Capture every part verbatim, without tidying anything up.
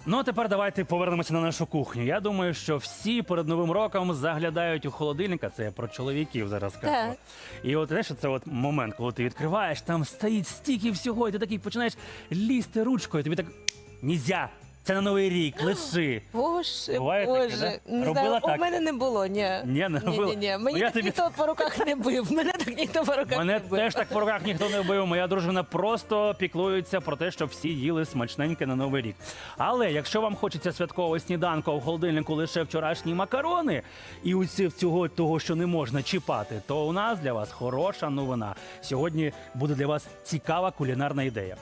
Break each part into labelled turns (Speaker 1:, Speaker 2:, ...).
Speaker 1: Ну, а тепер давайте повернемося на нашу кухню. Я думаю, що всі перед Новим роком заглядають у холодильника, це я про чоловіків зараз кажу.
Speaker 2: Так.
Speaker 1: І от, знаєш, це от момент, коли ти відкриваєш, там стоїть стільки всього, і ти такий починаєш лізти ручкою, тобі так, нельзя, це на Новий рік, лиши.
Speaker 2: Боже,
Speaker 1: Буває таке,
Speaker 2: Боже.
Speaker 1: да?
Speaker 2: Не
Speaker 1: Робила
Speaker 2: знаю,
Speaker 1: так?
Speaker 2: у мене не було, ні.
Speaker 1: Ні, не робила?
Speaker 2: Ні, ні, ні. Мені
Speaker 1: Я
Speaker 2: так
Speaker 1: тобі-
Speaker 2: ніхто по руках не бив. Мене так ніхто по руках
Speaker 1: Мене
Speaker 2: не бив.
Speaker 1: теж так по руках ніхто не бив. Моя дружина просто піклується про те, щоб всі їли смачненьке на Новий рік. Але якщо вам хочеться святкового сніданку, а в холодильнику лише вчорашні макарони і усі всього того, що не можна чіпати, то у нас для вас хороша новина. Сьогодні буде для вас цікава кулінарна ідея.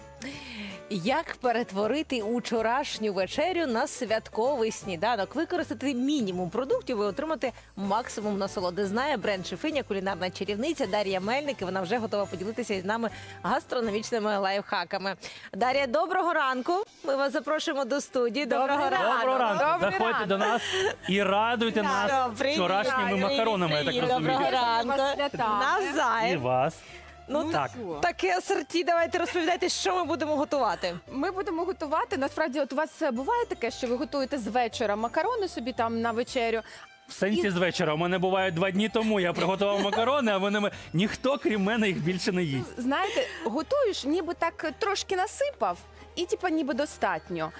Speaker 2: Як перетворити учорашню вечерю на святковий сніданок? Використати мінімум продуктів і отримати максимум насолоди. Знає бренд-шефиня, кулінарна чарівниця Дар'я Мельник. І вона вже готова поділитися із нами гастрономічними лайфхаками. Дар'я, доброго ранку. Ми вас запрошуємо до студії. Доброго ранку.
Speaker 1: Доброго ранку!
Speaker 3: Добрий
Speaker 1: Заходьте
Speaker 3: ранок.
Speaker 1: до нас і радуйте нас
Speaker 2: Привіт.
Speaker 1: вчорашніми
Speaker 2: Привіт.
Speaker 1: макаронами, я так
Speaker 2: Привіт.
Speaker 1: розумію.
Speaker 2: Доброго ранку.
Speaker 3: Вас святами.
Speaker 1: І
Speaker 2: Навзаєм.
Speaker 1: вас.
Speaker 2: Ну,
Speaker 3: Ну,
Speaker 2: так.
Speaker 3: що?
Speaker 2: Таке асорті, давайте розповідайте, що ми будемо готувати.
Speaker 3: Ми будемо готувати. Насправді, от у вас буває таке, що ви готуєте з вечора макарони собі там на вечерю.
Speaker 1: В сенсі з вечора. У мене буває два дні тому. Я приготував макарони, а вони м- ніхто, крім мене, їх більше не їсть.
Speaker 3: Знаєте, готуєш, ніби так трошки насипав, і типа ніби достатньо.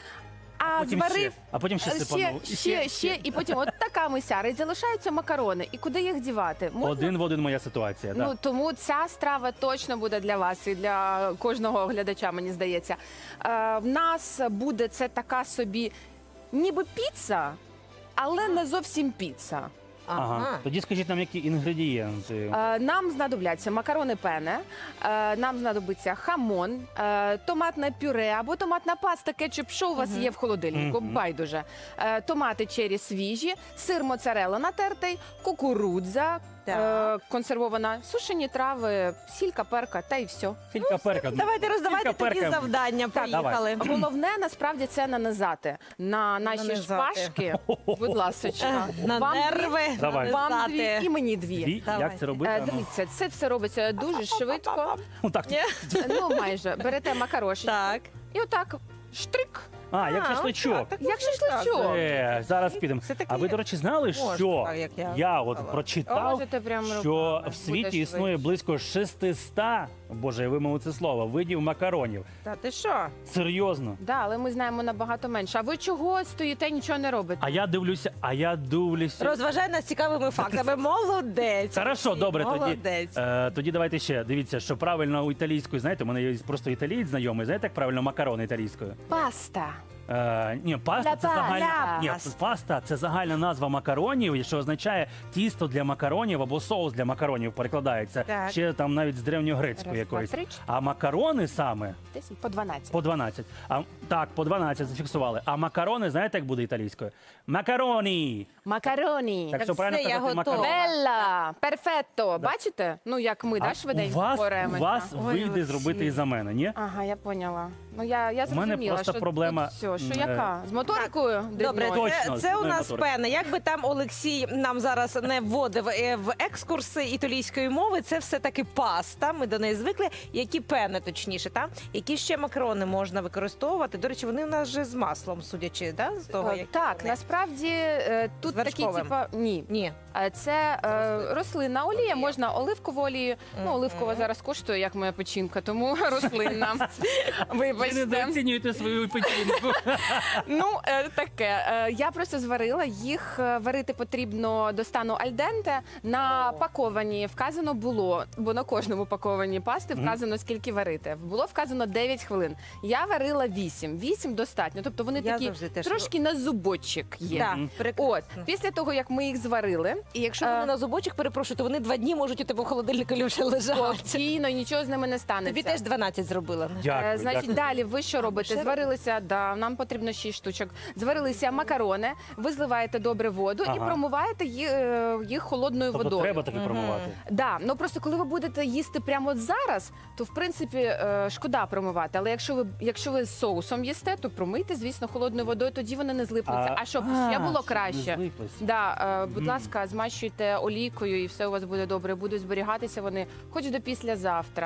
Speaker 3: А
Speaker 1: Потім
Speaker 3: зварив
Speaker 1: ще. А потім ще
Speaker 3: ще,
Speaker 1: сипанув. І
Speaker 3: ще, ще, і потім от така мисяра, і залишаються макарони. І куди їх дівати? Можна?
Speaker 1: Один в один моя ситуація.
Speaker 3: Ну
Speaker 1: Да.
Speaker 3: тому ця страва точно буде для вас і для кожного глядача, мені здається. Е, в нас буде це така собі, ніби піца, але не зовсім піца.
Speaker 1: Ага. Тоді скажіть нам, які інгредієнти.
Speaker 3: Е, нам знадобляться макарони пене, е, нам знадобиться хамон, е, томатне пюре або томатна паста, кетчуп, що у вас є в холодильнику,
Speaker 1: Мгм.
Speaker 3: байдуже. Е, томати чері свіжі, сир моцарелла натертий, кукурудза,
Speaker 2: Так.
Speaker 3: е, консервована, сушені трави, сілька, перка та й все.
Speaker 1: Філька перка.
Speaker 2: Давайте роздавайте
Speaker 1: Філька
Speaker 2: тоді
Speaker 1: перка.
Speaker 2: завдання. Поїхали.
Speaker 3: Головне насправді це нанизати на наші
Speaker 2: Нанизати.
Speaker 3: шпажки. Будь ласка,
Speaker 2: На
Speaker 3: вам
Speaker 2: нерви.
Speaker 3: дві,
Speaker 1: Давай.
Speaker 3: вам
Speaker 2: нанизати.
Speaker 3: дві і мені дві.
Speaker 1: Дві?
Speaker 2: Давай.
Speaker 1: Як це робити?
Speaker 3: Е,
Speaker 1: А ну.
Speaker 3: Дивіться, це все робиться дуже швидко.
Speaker 1: Ну, так.
Speaker 2: Ні?
Speaker 3: Ну, майже. Берете макарошечки
Speaker 2: Так.
Speaker 3: і отак штрик,
Speaker 1: А, як
Speaker 2: А,
Speaker 1: шашличок.
Speaker 2: отак, так
Speaker 3: як
Speaker 2: можна
Speaker 3: шашличок.
Speaker 1: Е, зараз підемо.
Speaker 2: Все-таки
Speaker 1: А ви, до речі, знали,
Speaker 2: можна
Speaker 1: що
Speaker 2: так, як я
Speaker 1: я от
Speaker 2: сказала.
Speaker 1: прочитав,
Speaker 3: Можете прям
Speaker 1: що
Speaker 3: руками,
Speaker 1: в
Speaker 3: буде
Speaker 1: світі
Speaker 3: швидше.
Speaker 1: існує близько шестисот, боже, я вимовив це слово, видів макаронів.
Speaker 2: Та ти що?
Speaker 1: Серйозно.
Speaker 3: Да, але ми знаємо набагато менше. А ви чого стоїте, нічого не робите?
Speaker 1: А я дивлюся, а я дивлюся.
Speaker 2: Розважай нас цікавими фактами. Молодець.
Speaker 1: Хорошо, добре, тоді,
Speaker 2: Молодець.
Speaker 1: е, тоді давайте ще. Дивіться, що правильно у італійської, знаєте, у мене є просто італієць знайомий, знаєте, як правильно макарони італійською?
Speaker 3: Паста.
Speaker 1: Е, ні, паста
Speaker 3: Ля
Speaker 1: це
Speaker 3: па-
Speaker 1: загальна
Speaker 3: ля
Speaker 1: ні,
Speaker 2: паста.
Speaker 1: паста це загальна назва макаронів, що означає тісто для макаронів або соус для макаронів перекладається.
Speaker 2: Так.
Speaker 1: Ще там навіть з древньогрецької
Speaker 3: Раз, два,
Speaker 1: якоїсь.
Speaker 3: три, чотири.
Speaker 1: А макарони саме
Speaker 3: Десь по дванадцять.
Speaker 1: по дванадцять. А так, по дванадцять зафіксували. А макарони, знаєте, як буде італійською? Макароні.
Speaker 3: Макароні.
Speaker 1: Так що
Speaker 2: все,
Speaker 1: правильно
Speaker 2: я
Speaker 1: казати
Speaker 2: готова.
Speaker 1: макарони.
Speaker 3: Белла, перфетто. Бачите? Ну, як ми,
Speaker 1: А
Speaker 3: да, швиденько
Speaker 1: у вас, у
Speaker 3: боремося.
Speaker 1: вас
Speaker 2: Ой,
Speaker 1: вийде
Speaker 2: Олексій.
Speaker 1: зробити і за мене, ні?
Speaker 3: Ага, я поняла. Ну, я, я
Speaker 1: У мене
Speaker 3: зрозуміла,
Speaker 1: просто
Speaker 3: що
Speaker 1: проблема,
Speaker 3: тут все, що
Speaker 1: м,
Speaker 3: яка? З моторикою?
Speaker 2: Добре,
Speaker 3: дрібною?
Speaker 2: це,
Speaker 1: Точно,
Speaker 2: це у
Speaker 1: з
Speaker 2: нас
Speaker 1: моторики.
Speaker 2: пене. Як би там Олексій нам зараз не вводив е, в екскурси італійської мови, це все-таки паста. Ми до неї звикли. Які пени, точніше, та? Які ще макарони можна використовувати? До речі, вони у нас вже з маслом, судячи, да? з того,
Speaker 3: Е,
Speaker 2: як
Speaker 3: Так,
Speaker 2: вони.
Speaker 3: насправді е, тут
Speaker 2: З
Speaker 3: такі,
Speaker 2: вершковим?
Speaker 3: типа, ні.
Speaker 2: Ні.
Speaker 3: Е, Це е, рослинна олія, можна оливкову олію. Ну,
Speaker 2: Мгм.
Speaker 3: оливкова зараз коштує, як моя печінка, тому рослинна.
Speaker 1: Ви не
Speaker 3: Вибачте.
Speaker 1: недооцінюєте свою печінку.
Speaker 3: Ну, е, таке. Е, Я просто зварила. Їх е, варити потрібно до стану альденте. На паковані вказано було, бо на кожному паковані пасти вказано, скільки варити. Було вказано дев'ять хвилин. Я варила вісім. вісім достатньо. Тобто вони
Speaker 2: Я
Speaker 3: такі
Speaker 2: завжди теж-
Speaker 3: трошки на зубочок є.
Speaker 2: Так,
Speaker 3: От,
Speaker 2: прекрасно.
Speaker 3: після того, як ми їх зварили,
Speaker 2: І якщо
Speaker 3: Е,
Speaker 2: вони на зубочок, перепрошую, то вони два дні можуть у тебе в холодильнику вже лежати.
Speaker 3: спокійно, нічого з ними не станеться.
Speaker 2: Тобі теж дванадцять зробила.
Speaker 1: Дякую,
Speaker 3: Е, Значить,
Speaker 1: дякую.
Speaker 3: далі ви що робите?
Speaker 2: ще
Speaker 3: Зварилися, да, нам потрібно шість штучок. Зварилися макарони, ви зливаєте добре воду і
Speaker 1: Ага.
Speaker 3: промиваєте їх, е, їх холодною
Speaker 1: Тобто
Speaker 3: водою.
Speaker 1: треба таки промивати.
Speaker 3: Да, ну просто коли ви будете їсти прямо от зараз, то в принципі е, шкода промивати. Але якщо ви якщо ви з соусом їсте, то промийте, звісно, холодною водою, тоді вони не злипнуться. А, щоб
Speaker 1: а,
Speaker 3: ще було
Speaker 1: щоб
Speaker 3: краще.
Speaker 1: не злиплись.
Speaker 3: Да, е, будь
Speaker 1: Мгм.
Speaker 3: ласка, змащуйте олійкою і все у вас буде добре. Будуть зберігатися вони хоч до післязавтра.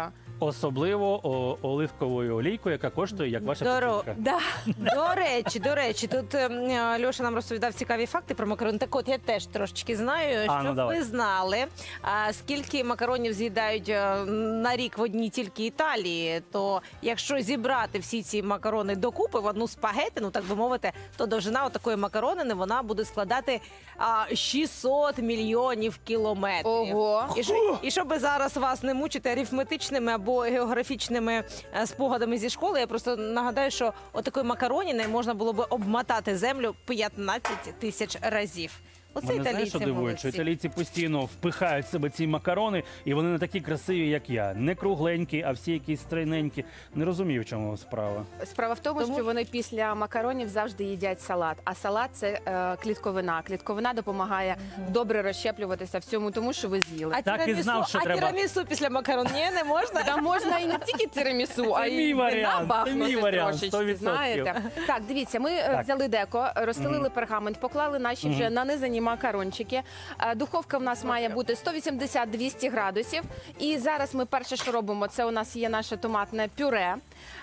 Speaker 1: особливо о, оливковою олійкою, яка коштує, як ваша
Speaker 2: Здорово.
Speaker 1: печінка.
Speaker 3: Да.
Speaker 2: До речі, до речі, тут е, Льоша нам розповідав цікаві факти про макарони. Так от я теж трошечки знаю,
Speaker 1: А, ну,
Speaker 2: щоб
Speaker 1: давай.
Speaker 2: ви знали, а, скільки макаронів з'їдають е, на рік в одній тільки Італії. То якщо зібрати всі ці макарони докупи в одну спагетину, так би мовити, то довжина отакої макаронини вона буде складати а, шістсот мільйонів кілометрів.
Speaker 3: Ого.
Speaker 2: І, що, і щоб зараз вас не мучити арифметичними або географічними е, спогадами зі школи, я просто нагадаю, що отакої макароніни можна було би обмотати землю п'ятнадцять тисяч разів. Оце
Speaker 1: Мене знаєш,
Speaker 2: італійці
Speaker 1: що дивує, що
Speaker 2: молодці.
Speaker 1: італійці постійно впихають в себе ці макарони, і вони не такі красиві, як я. Не кругленькі, а всі якісь стройненькі. Не розумію, в чому справа.
Speaker 3: Справа в тому,
Speaker 2: Тому-
Speaker 3: що вони після макаронів завжди їдять салат. А салат це е, клітковина. Клітковина допомагає добре розщеплюватися всьому тому, що ви з'їли.
Speaker 2: А
Speaker 1: Так і
Speaker 2: тірамісу,
Speaker 1: знав, що
Speaker 2: а
Speaker 1: треба.
Speaker 2: тірамісу після макарон ні, не можна?
Speaker 3: Та можна і не тільки тирамісу, а
Speaker 1: Це мій
Speaker 3: й
Speaker 1: варіант,
Speaker 3: вина бахнути
Speaker 1: це мій варіант,
Speaker 3: трошечки,
Speaker 1: сто відсотків.
Speaker 3: знаєте. Так, дивіться, ми е,
Speaker 1: Так.
Speaker 3: взяли деко, розстелили пергамент, поклали наші вже нанизані макарончики. Е, Духовка в нас має бути сто вісімдесят - двісті градусів. І зараз ми перше, що робимо, це у нас є наше томатне пюре.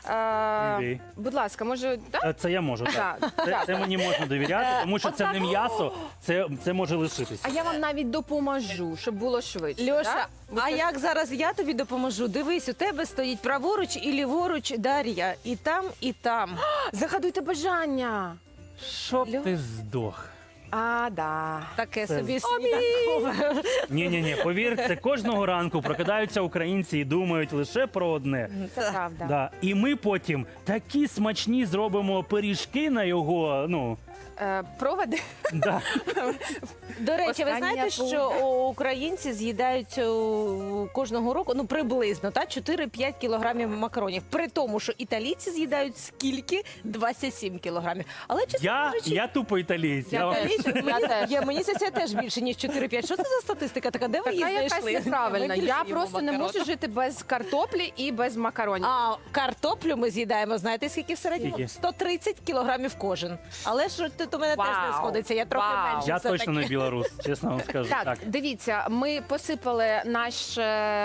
Speaker 3: Е,
Speaker 1: Іди.
Speaker 3: Будь ласка, може, так?
Speaker 1: Е, Це я можу, так.
Speaker 3: Так,
Speaker 1: Це,
Speaker 3: так.
Speaker 1: це мені можна довіряти, тому що це
Speaker 3: Отак.
Speaker 1: не м'ясо, це, це може лишитися.
Speaker 3: А я вам навіть допоможу, щоб було швидше.
Speaker 2: Льоша,
Speaker 3: так? Ви
Speaker 2: а
Speaker 3: ж-
Speaker 2: як зараз я тобі допоможу? Дивись, у тебе стоїть праворуч і ліворуч Дар'я. І там, і там.
Speaker 3: Загадуйте бажання.
Speaker 1: Щоб
Speaker 2: Льо-
Speaker 1: ти здох.
Speaker 3: А, да.
Speaker 2: Таке
Speaker 1: Це-
Speaker 2: собі сніданкове.
Speaker 1: Ні-ні-ні, повірте, кожного ранку прокидаються українці і думають лише про одне.
Speaker 3: Це правда.
Speaker 1: Да. І ми потім такі смачні зробимо пиріжки на його, ну,
Speaker 3: Е, проводи.
Speaker 1: да.
Speaker 2: До речі, ви
Speaker 3: Остання
Speaker 2: знаєте,
Speaker 3: пункт.
Speaker 2: що о, українці з'їдають о, кожного року, ну приблизно, та чотири-п'ять кілограмів макаронів. При тому, що італійці з'їдають скільки? двадцять сім кілограмів. Але чесно
Speaker 1: Я,
Speaker 2: кажучи,
Speaker 1: я тупо італієць.
Speaker 3: Я
Speaker 1: Я вам-
Speaker 3: теж.
Speaker 2: італійці,
Speaker 3: Я
Speaker 2: мені,
Speaker 3: теж.
Speaker 2: я, мені це теж більше, ніж чотири-п'ять. Що це за статистика така? Де ви її
Speaker 3: Така якась
Speaker 2: знайшли?
Speaker 3: неправильна.
Speaker 2: Ми більше
Speaker 3: Я
Speaker 2: їмо
Speaker 3: просто не
Speaker 2: макарон.
Speaker 3: можу жити без картоплі і без макаронів.
Speaker 2: А картоплю ми з'їдаємо, знаєте, скільки в середньому?
Speaker 1: Скільки?
Speaker 2: сто тридцять кілограмів кожен. Але ж тут у мене теж не
Speaker 3: Вау.
Speaker 2: сходиться, я трохи
Speaker 3: Вау.
Speaker 2: менше.
Speaker 1: Я
Speaker 2: все
Speaker 1: точно
Speaker 2: таки.
Speaker 1: не білорус, чесно вам скажу.
Speaker 3: Так,
Speaker 1: Так.
Speaker 3: дивіться, ми посипали наше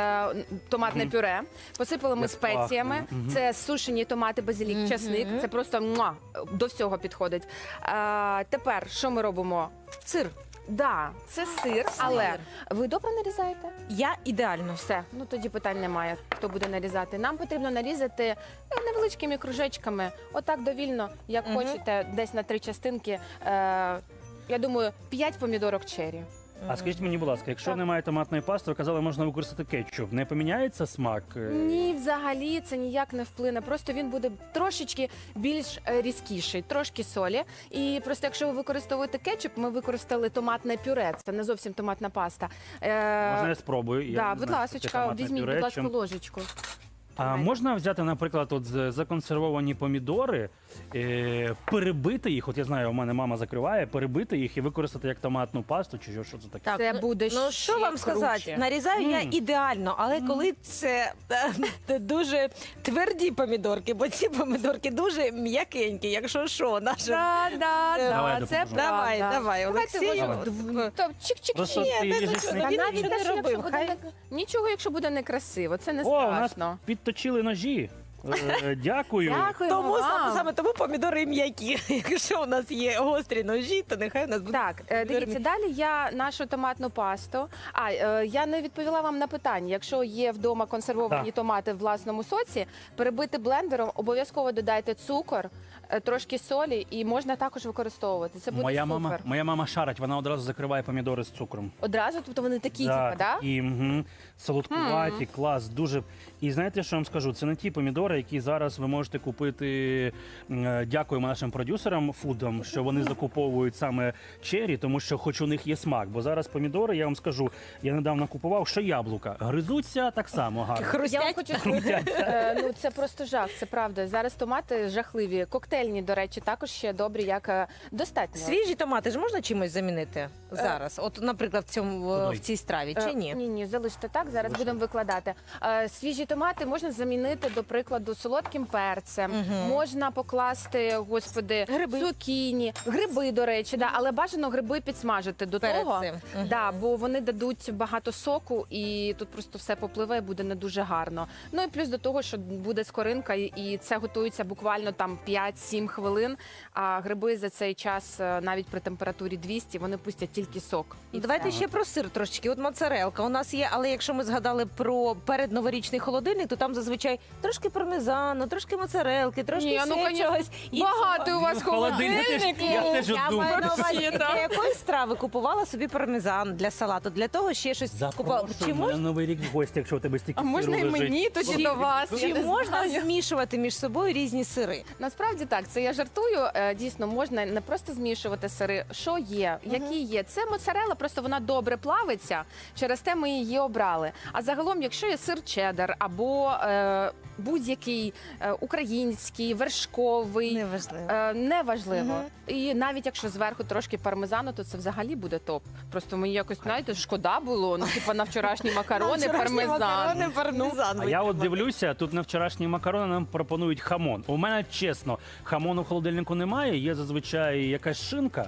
Speaker 3: томатне пюре, посипали ми
Speaker 1: Як
Speaker 3: спеціями.
Speaker 1: пахне. Мгм.
Speaker 3: Це сушені томати, базилік, часник. Це просто муа, до всього підходить. А, тепер що ми робимо?
Speaker 2: Сир.
Speaker 3: Да, це сир, але ви добре нарізаєте?
Speaker 2: Я ідеально.
Speaker 3: Все, ну тоді питань немає. Хто буде нарізати? Нам потрібно нарізати е, невеличкими кружечками, отак довільно, як
Speaker 2: Мгм.
Speaker 3: хочете, десь на три частинки. Е, я думаю, п'ять помідорок черрі.
Speaker 1: А скажіть мені, будь ласка, якщо
Speaker 3: Так.
Speaker 1: немає томатної пасти, ви казали, можна використати кетчуп. Не поміняється смак? Е,
Speaker 3: Ні, взагалі це ніяк не вплине. Просто він буде трошечки більш е, різкіший, трошки солі. І просто якщо ви використовуєте кетчуп, ми використали томатне пюре. Це не зовсім томатна паста. Е,
Speaker 1: Можна я спробую? Я
Speaker 3: да,
Speaker 1: не
Speaker 3: будь
Speaker 1: знаю, що таке
Speaker 3: ласка,
Speaker 1: томатне
Speaker 3: візьміть,
Speaker 1: пюре,
Speaker 3: будь ласка,
Speaker 1: чим-
Speaker 3: ложечку.
Speaker 1: А можна взяти, наприклад, от з- законсервовані помідори, е, перебити їх, от я знаю, у мене мама закриває, перебити їх і використати як томатну пасту, чи що, що це таке?
Speaker 2: Так,
Speaker 3: Це
Speaker 2: ну-
Speaker 3: буде
Speaker 2: Ну
Speaker 3: ще
Speaker 2: що вам сказати?
Speaker 3: круче.
Speaker 2: Нарізаю я
Speaker 1: Мм.
Speaker 2: ідеально, але коли це е, дуже тверді помідорки, бо ці помідорки дуже м'якенькі, якщо що, наша.
Speaker 3: Да, да,
Speaker 2: Е,
Speaker 1: Давай,
Speaker 3: да, це
Speaker 1: допоможу.
Speaker 2: Давай,
Speaker 3: правда.
Speaker 2: давай,
Speaker 3: Давайте
Speaker 2: Олексію.
Speaker 3: ложку дв- то чик-чик-чик.
Speaker 1: Просто
Speaker 2: Ні,
Speaker 1: ти
Speaker 2: не
Speaker 1: їжеш
Speaker 2: дуже.
Speaker 1: не-
Speaker 3: Та
Speaker 2: Він
Speaker 3: навіть
Speaker 2: нічого
Speaker 3: те,
Speaker 2: не
Speaker 3: що
Speaker 2: робив,
Speaker 3: якщо буде
Speaker 2: хай.
Speaker 3: не- нічого, якщо буде некрасиво, це не
Speaker 1: О, у нас
Speaker 3: страшно.
Speaker 1: підточили ножі. Е, Дякую.
Speaker 3: Дякую
Speaker 2: Тому
Speaker 3: вам.
Speaker 2: саме, саме тому помідори м'які. Якщо у нас є гострі ножі, то нехай у нас буде.
Speaker 3: Так, е,
Speaker 2: помідори
Speaker 3: дивіться, далі я нашу томатну пасту. А, е, я не відповіла вам на питання. Якщо є вдома консервовані
Speaker 1: Так.
Speaker 3: томати в власному соці, перебити блендером, обов'язково додайте цукор, е, трошки солі і можна також використовувати. Це буде
Speaker 1: Моя
Speaker 3: супер.
Speaker 1: мама, моя мама шарить, вона одразу закриває помідори з цукром.
Speaker 3: Одразу, тобто вони такі, типа, да?
Speaker 1: І угу, солодкуваті, клас, дуже. І знаєте, що я вам скажу? Це не ті помідори, які зараз ви можете купити. Е, Дякуємо нашим продюсерам фудам, що вони закуповують саме чері, тому що хоч у них є смак. Бо зараз помідори, я вам скажу, я недавно купував, що яблука гризуться так само гарно.
Speaker 3: Я вам
Speaker 2: Хрустять.
Speaker 3: хочу сказати, е, ну це просто жах, це правда. Зараз томати жахливі. Коктейль зелені, до речі, також ще добрі, як е, достатньо.
Speaker 2: Свіжі томати ж можна чимось замінити зараз? От, наприклад, в цьому в,
Speaker 1: Водой.
Speaker 2: в цій страві
Speaker 3: Е,
Speaker 2: чи ні?
Speaker 3: Ні, ні, залиште так. Зараз
Speaker 1: Залиште.
Speaker 3: будемо викладати. Е, Свіжі томати можна замінити, до прикладу, солодким перцем.
Speaker 2: Мгм.
Speaker 3: Можна покласти, господи,
Speaker 2: Гриби.
Speaker 3: цукіні, гриби, до речі, да, але бажано гриби підсмажити до
Speaker 2: Перед
Speaker 3: того.
Speaker 2: цим. Мгм.
Speaker 3: Да, бо вони дадуть багато соку, і тут просто все попливе, і буде не дуже гарно. Ну і плюс до того, що буде скоринка, і- і це готується буквально там п'ять-сім хвилин. А гриби за цей час, е, навіть при температурі двісті, вони пустять тільки сок. І
Speaker 2: Давайте
Speaker 3: все.
Speaker 2: ще про сир трошечки. От моцарелка у нас є, але якщо ми згадали про передноворічний холодильник, то там зазвичай трошки пармезану, трошки моцарелки, трошки
Speaker 3: Ні, ну,
Speaker 2: ще
Speaker 3: конечно,
Speaker 2: чогось. І
Speaker 3: Багато у вас
Speaker 1: Ну, холодильник, я теж-
Speaker 3: холодильників.
Speaker 1: я теж
Speaker 2: Я
Speaker 1: думаю.
Speaker 2: маю на увазі,
Speaker 3: Взагалі,
Speaker 2: для
Speaker 3: так.
Speaker 2: якої страви купувала собі пармезан для салату, для того ще щось купувала.
Speaker 1: Запрошую
Speaker 2: Чи
Speaker 1: мене
Speaker 2: можна,
Speaker 1: на Новий рік в гості, якщо у тебе стільки
Speaker 3: А можна
Speaker 1: сиру
Speaker 3: і
Speaker 1: лежить.
Speaker 3: мені тоді до вас? Я
Speaker 2: чи
Speaker 3: не
Speaker 2: можна
Speaker 3: знаю.
Speaker 2: змішувати між собою різні сири?
Speaker 3: Насправді так, це я жартую. Е, Дійсно, можна не просто змішувати сири. Що є, які є? Це моцарела, просто вона добре плавиться. Через те ми її обрали. А загалом, якщо є сир чеддер або е, будь-який е, український, вершковий.
Speaker 2: Неважливо.
Speaker 3: Е, Неважливо.
Speaker 2: Мгм.
Speaker 3: І навіть якщо зверху трошки пармезану, то це взагалі буде топ. Просто мені якось, знаєте, шкода було. Ну, типу, на вчорашні макарони, пармезан.
Speaker 2: Макарони, пармезан.
Speaker 1: А я от дивлюся, тут на вчорашні макарони нам пропонують хамон. У мене чесно, хамону в холодильнику немає, є зазвичай якась шинка.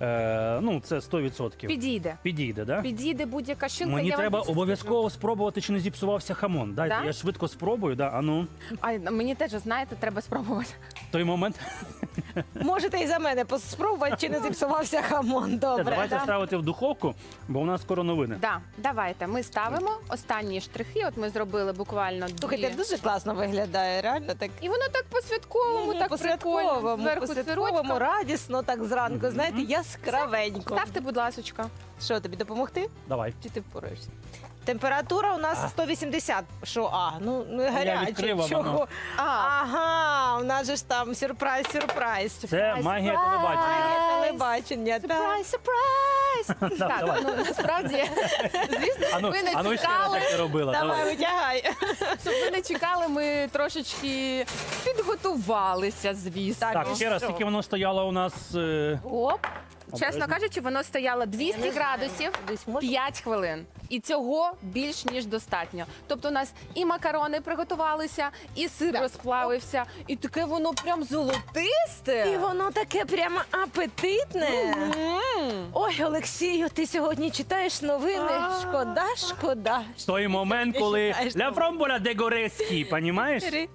Speaker 1: Е, ну, це сто відсотків.
Speaker 3: Підійде.
Speaker 1: Підійде, да?
Speaker 3: Підійде будь-яка шинка.
Speaker 1: Мені
Speaker 3: я вам
Speaker 1: треба
Speaker 3: більше
Speaker 1: обов'язково спробувати, чи не зіпсувався хамон. Дайте,
Speaker 3: Да?
Speaker 1: я швидко спробую, да, а ну,
Speaker 3: скажу. А мені теж, знаєте, треба спробувати.
Speaker 1: той момент.
Speaker 2: Можете і за мене спробувати, чи не зіпсувався хамон. Добре.
Speaker 1: Давайте
Speaker 3: да.
Speaker 1: ставити в духовку, бо у нас скоро новини.
Speaker 3: Да, давайте. Ми ставимо останні штрихи. От ми зробили буквально дві.
Speaker 2: Слухайте, дуже класно виглядає, реально так.
Speaker 3: І воно так по-святковому, так прикольно.
Speaker 2: по-святковому,
Speaker 3: Зверху
Speaker 2: по-святковому,
Speaker 3: сирочка.
Speaker 2: радісно, так зранку, знаєте, яскравенько.
Speaker 3: Ставте, будь ласочка.
Speaker 2: Що, тобі допомогти?
Speaker 1: Давай.
Speaker 2: Чи ти впораєшся? Температура у нас
Speaker 1: А.
Speaker 2: сто вісімдесят. Що, а, ну не гаряче.
Speaker 1: відкрив, а
Speaker 2: Чого?
Speaker 1: воно.
Speaker 3: А,
Speaker 2: Ага, у нас же ж там сюрприз, сюрприз.
Speaker 1: Це магія телебачення.
Speaker 2: Телебачення. так.
Speaker 3: Сюрприз, сюрприз! Так,
Speaker 1: давай.
Speaker 3: ну насправді, звісно,
Speaker 1: Ану,
Speaker 3: ви не
Speaker 1: ану ще раз
Speaker 3: чекали.
Speaker 1: так і робила.
Speaker 2: Давай,
Speaker 1: Давай.
Speaker 2: витягай.
Speaker 3: Щоб ви не чекали, ми трошечки підготувалися, звісно.
Speaker 1: Так, ще раз,
Speaker 2: що?
Speaker 1: тільки воно стояло у нас. е,
Speaker 2: Оп.
Speaker 3: Чесно
Speaker 1: обережно.
Speaker 3: кажучи, воно стояло двісті градусів.
Speaker 2: Десь може?
Speaker 3: п'ять хвилин. І цього більш ніж достатньо. Тобто у нас і макарони приготувалися, і сир
Speaker 2: Так.
Speaker 3: розплавився, і таке воно прям золотисте.
Speaker 2: І воно таке прямо апетитне.
Speaker 3: М.
Speaker 2: Ой, Олексію, ти сьогодні читаєш новини.
Speaker 3: А.
Speaker 2: Шкода, шкода.
Speaker 1: Той момент,
Speaker 2: Ти
Speaker 1: коли
Speaker 2: читаєш
Speaker 1: ля
Speaker 2: там.
Speaker 1: фромболя де гореські, понімаєш?
Speaker 3: Е,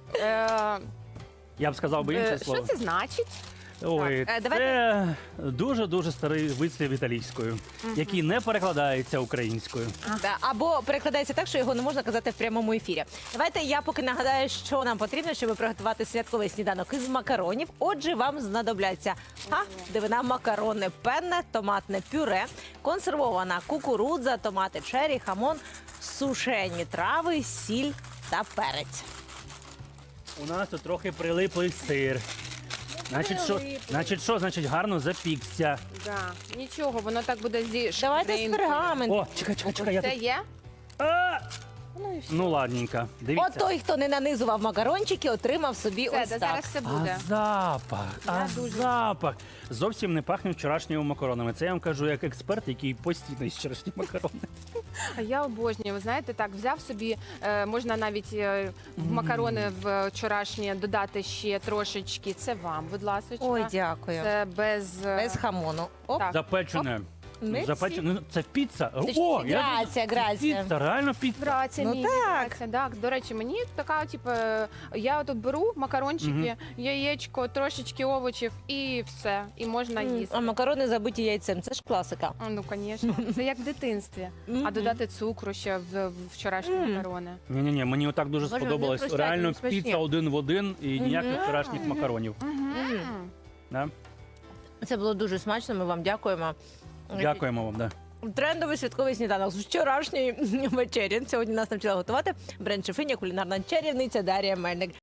Speaker 1: Я б сказав би
Speaker 3: е,
Speaker 1: інше
Speaker 3: Що
Speaker 1: слово.
Speaker 3: це значить?
Speaker 1: Ой,
Speaker 2: Так, е,
Speaker 1: це дуже-дуже старий вислів італійською, який не перекладається українською.
Speaker 2: Да, або перекладається так, що його не можна казати в прямому ефірі. Давайте я поки нагадаю, що нам потрібно, щоб приготувати святковий сніданок із макаронів. Отже, вам знадобляться а, дивина макарони, пенне, томатне пюре, консервована кукурудза, томати чері, хамон, сушені трави, сіль та перець.
Speaker 1: У нас тут трохи прилиплий сир. Значить, що, значить, що, значить, гарно запікся.
Speaker 3: Да. Нічого, воно так буде зі
Speaker 2: Давайте з
Speaker 3: шкринкою.
Speaker 2: пергаменту.
Speaker 1: О, чекай, чекай, чекай, я
Speaker 3: Це
Speaker 1: тут.
Speaker 3: є?
Speaker 1: А!
Speaker 3: Ну і все.
Speaker 1: Ну, ладненько, дивіться.
Speaker 2: От той, хто не нанизував макарончики, отримав собі
Speaker 3: Все,
Speaker 2: ось
Speaker 3: да,
Speaker 2: так.
Speaker 3: зараз все буде.
Speaker 1: А запах, а
Speaker 3: Я дуже-
Speaker 1: запах. Зовсім не пахне вчорашніми макаронами. Це я вам кажу як експерт, який постійно їсть вчорашні макарони.
Speaker 3: А я обожнюю. Ви знаєте, так взяв собі, е, можна навіть е, в макарони в вчорашні додати ще трошечки. Це вам, будь ласка.
Speaker 2: Ой, дякую.
Speaker 3: Це без, е,
Speaker 2: Без хамону. Оп.
Speaker 3: Так.
Speaker 1: Запечене.
Speaker 2: Мерсі.
Speaker 1: Запечене. Ну, це піца.
Speaker 2: Це ж
Speaker 1: О, я
Speaker 2: грація, грація.
Speaker 1: Піца, реально піца.
Speaker 3: Грація,
Speaker 2: Ну
Speaker 3: мій,
Speaker 2: так.
Speaker 3: грація, так. До речі, мені така, типу, я от беру макарончики, яєчко, трошечки овочів і все. І можна
Speaker 2: М,
Speaker 3: їсти.
Speaker 2: А макарони забиті яйцем. Це ж класика.
Speaker 3: А, Ну, звісно, це як в дитинстві.
Speaker 2: Мгм.
Speaker 3: А додати цукру ще в, в вчорашні
Speaker 2: Мгм.
Speaker 3: макарони.
Speaker 1: Ні-ні-ні, мені отак дуже
Speaker 2: Боже,
Speaker 1: сподобалось.
Speaker 2: вони просто
Speaker 1: Реально
Speaker 2: смачні.
Speaker 1: піца один в один і ніяких вчорашніх макаронів.
Speaker 3: Мгм.
Speaker 1: Да?
Speaker 2: Це було дуже смачно. Ми вам дякуємо.
Speaker 1: Дякуємо вам. Да.
Speaker 2: Трендовий святковий сніданок з вчорашньої вечері. Сьогодні нас навчила готувати бренд-шефиня, кулінарна чарівниця Дар'я Мельник.